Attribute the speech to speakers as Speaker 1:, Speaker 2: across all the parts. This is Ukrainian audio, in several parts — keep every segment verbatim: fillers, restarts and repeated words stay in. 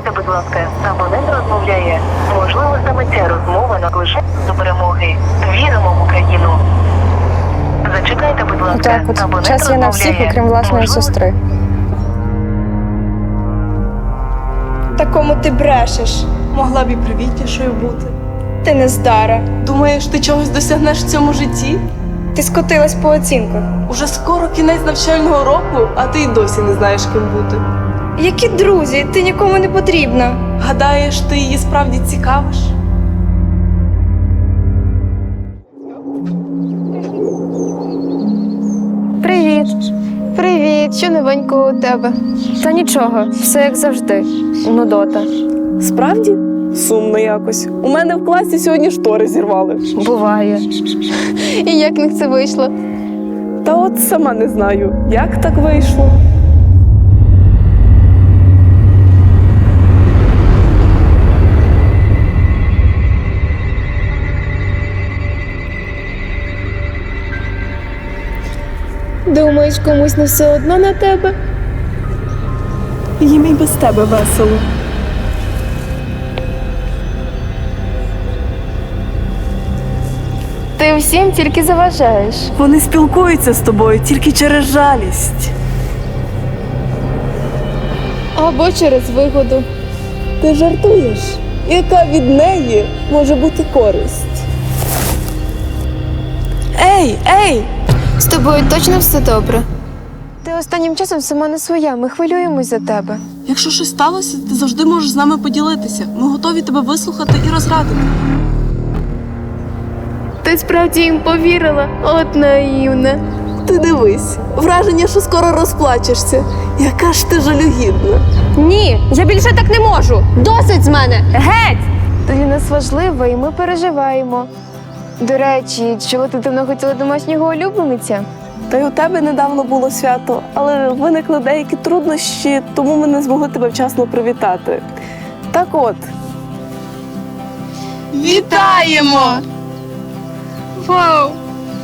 Speaker 1: Зачекайте, будь ласка, абонент розмовляє. Можливо, саме ця розмова наближає до перемоги. Віримо в Україну. Зачекайте, будь ласка,
Speaker 2: Так от,
Speaker 1: абонент
Speaker 2: час є на всіх,
Speaker 1: розмовляє.
Speaker 2: окрім власної
Speaker 1: Можливо,
Speaker 2: сестри.
Speaker 3: Такому ти брешеш.
Speaker 4: Могла б і привітнішою бути.
Speaker 3: Ти не здара.
Speaker 4: Думаєш, ти чогось досягнеш в цьому житті?
Speaker 3: Ти скотилась по оцінках.
Speaker 4: Уже скоро кінець навчального року, а ти й досі не знаєш, ким бути.
Speaker 3: Які друзі? Ти нікому не потрібна.
Speaker 4: Гадаєш, ти її справді цікавиш?
Speaker 2: Привіт.
Speaker 5: Привіт, що новенького у тебе?
Speaker 2: Та нічого, все як завжди. Нудота.
Speaker 4: Справді? Сумно якось. У мене в класі сьогодні штори зірвали.
Speaker 2: Буває.
Speaker 5: І як в них це вийшло?
Speaker 4: Та от сама не знаю, як так вийшло.
Speaker 5: Думаєш, комусь не все одно на тебе?
Speaker 4: Їм і без тебе весело.
Speaker 5: Ти всім тільки заважаєш.
Speaker 4: Вони спілкуються з тобою тільки через жалість.
Speaker 5: Або через вигоду.
Speaker 4: Ти жартуєш? Яка від неї може бути користь? Ей, ей!
Speaker 5: З тобою точно все добре? Ти останнім часом сама не своя, ми хвилюємось за тебе.
Speaker 4: Якщо щось сталося, ти завжди можеш з нами поділитися. Ми готові тебе вислухати і розрадити.
Speaker 5: Ти справді їм повірила? От наївна.
Speaker 4: Ти дивись, враження, що скоро розплачешся. Яка ж ти жалюгідна.
Speaker 2: Ні, я більше так не можу. Досить з мене. Геть!
Speaker 5: Ти для нас важлива і ми переживаємо. До речі, чого ти давно хотіла домашнього улюблениця?
Speaker 4: Та й у тебе недавно було свято, але виникли деякі труднощі, тому ми не змогли тебе вчасно привітати. Так от. Вітаємо!
Speaker 5: Вау!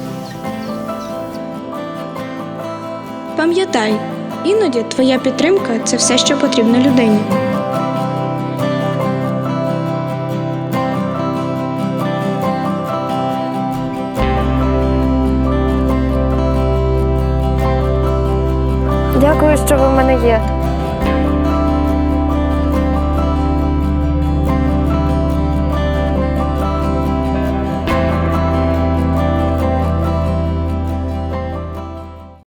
Speaker 6: Пам'ятай, іноді твоя підтримка – це все, що потрібно людині.
Speaker 2: Дякую, що ви в мене є.